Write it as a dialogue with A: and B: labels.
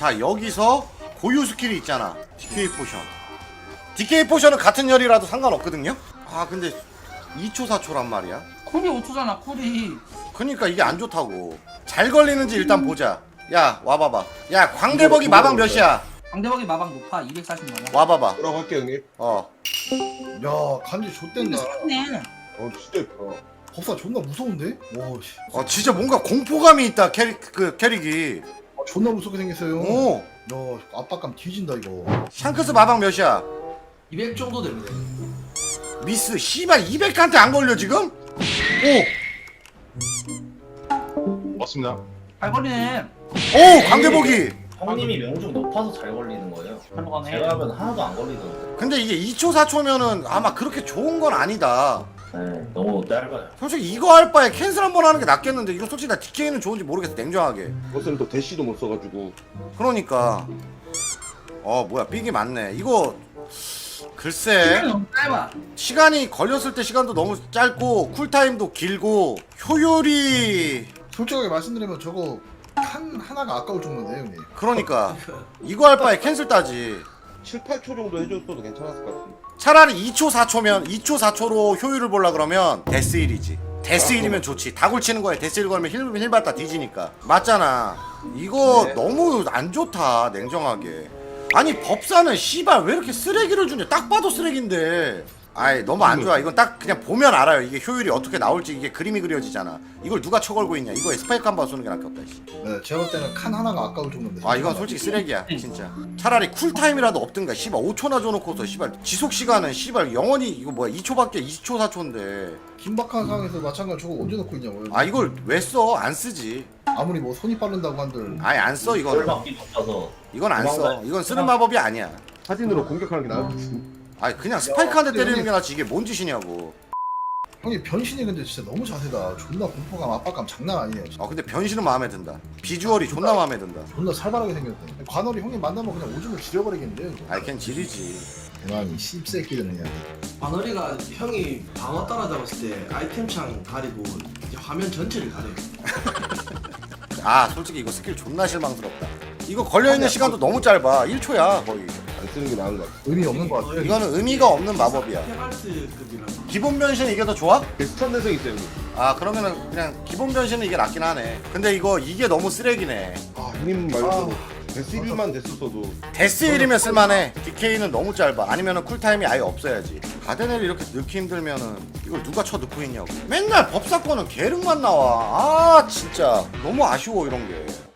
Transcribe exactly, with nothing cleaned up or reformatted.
A: 자 여기서 고유 스킬이 있잖아. 디케이 포션. 디케이 포션은 같은 열이라도 상관없거든요. 아 근데 이 초 사 초란 말이야.
B: 쿨이 오 초잖아 쿨이.
A: 그니까 이게 안 좋다고. 잘 걸리는지 일단 보자. 야 와봐봐. 야 광대벅이 마방 몇이야?
B: 강대박이 마방 높아 이백사십 만 원.
A: 와봐봐.
C: 뭐라고 할게 형님.
A: 어.
D: 야 간지
B: 근데
D: 좆된다.
B: 샀네.
C: 어 진짜 예뻐.
D: 법사 존나 무서운데? 와 씨.
A: 어 진짜 뭔가 공포감이 있다 캐릭 그 캐릭이.
D: 아, 존나 무섭게 생겼어요.
A: 오.
D: 야 압박감 뒤진다 이거.
A: 샹크스 마방 몇이야?
E: 이백 정도 됩니다.
A: 미스 씨발 이백한테 안 걸려 지금?
C: 맞습니다.
B: 잘 걸리네.
A: 오! 오 광대복이.
F: 형님이 명중 높아서 잘 걸리는 거예요.
B: 잘 가네.
F: 제가 하면 하나도 안 걸리던데.
A: 근데 이게 이 초 사 초면은 아마 그렇게 좋은 건 아니다.
F: 네, 너무 짧아요.
A: 솔직히 이거 할 바에 캔슬 한 번 하는 게 낫겠는데 이거 솔직히 나 디케이는 좋은지 모르겠어 냉정하게.
C: 버스는 또 대시도 못 써가지고.
A: 그러니까 어 뭐야 삑이 많네 이거. 글쎄
B: 너무 짧아.
A: 시간이 걸렸을 때 시간도 너무 짧고 쿨타임도 길고 효율이
D: 솔직하게 말씀드리면 저거 칸 하나가 아까울 정도인데 형님.
A: 그러니까 이거 할 바에 캔슬 따지.
C: 칠, 팔 초 정도 해줬어도 괜찮았을 것 같은데.
A: 차라리 이 초 사 초면 이 초 사 초로 효율을 보려 그러면 데스일이지. 데스일이면 좋지. 다굴 치는 거에 데스일 걸면 힐, 힐 받다 뒤지니까. 맞잖아. 이거
C: 네.
A: 너무 안 좋다 냉정하게. 아니 법사는 씨발 왜 이렇게 쓰레기를 주냐. 딱 봐도 쓰레기인데. 아이 너무 안 좋아. 이건 딱 그냥 보면 알아요. 이게 효율이 어떻게 나올지 이게 그림이 그려지잖아. 이걸 누가 쳐걸고 있냐. 이거에 스파이크 한 번 쏘는 게 낫겠다. 씨.
D: 네, 제가 볼 때는 칸 하나가 아까울 정도인데.
A: 아 이건 솔직히 쓰레기야 진짜. 차라리 쿨타임이라도 없든가. 씨발 오 초나 줘놓고서 씨발 지속시간은 씨발 영원히 이거 뭐야 이 초밖에 이 초 사 초인데
D: 긴박한 상황에서 마찬가지 저거 언제 넣고 있냐고요.
A: 아 이걸 왜 써? 안 쓰지.
D: 아무리 뭐 손이 빠른다고 한들.
A: 아예 안 써 이거는.
F: 돌박기 높아서.
A: 이건 안 써. 이건 쓰는 마법이 아니야.
C: 사진으로 공격하는 게 나을 것 같은데.
A: 아니 그냥 스파이크 한 대 때리는 게 낫지. 이게 뭔 짓이냐고.
D: 형님 변신이 근데 진짜 너무 자세다. 존나 공포감 압박감 장난 아니에요. 진짜.
A: 아 근데 변신은 마음에 든다. 비주얼이 존나 마음에 든다.
D: 존나 살벌하게 생겼대. 관월이 형님 만나면 그냥 오줌을 지려버리겠는데요. 이거.
A: 아이 걘 지리지.
D: 대만이 씹새끼들은 그냥.
E: 바너리가 형이 방어 따라잡았을 때 아이템창 가리고 이제 화면 전체를 가려요.
A: 아 솔직히 이거 스킬 존나 실망스럽다. 이거 걸려있는 시간도 너무 짧아. 일 초야 거의.
C: 안 쓰는 게 나은 것 같아.
D: 의미 없는 것 같아요.
A: 이거는 의미가 없는 마법이야.
E: 페갈트급이라서.
A: 기본 변신 이게 더 좋아?
C: 비슷한 내성 있어요 형님.
A: 아 그러면은 그냥 기본 변신은 이게 낫긴 하네. 근데 이거 이게 너무 쓰레기네.
C: 아 형님 말고 데스 일만 됐었어도.
A: 데스일이면 쓸만해. 디케이는 너무 짧아. 아니면은 쿨타임이 아예 없어야지. 가데넬 이렇게 넣기 힘들면은 이걸 누가 쳐 넣고 있냐고. 맨날 법사권은 계륵만 나와. 아 진짜 너무 아쉬워 이런 게.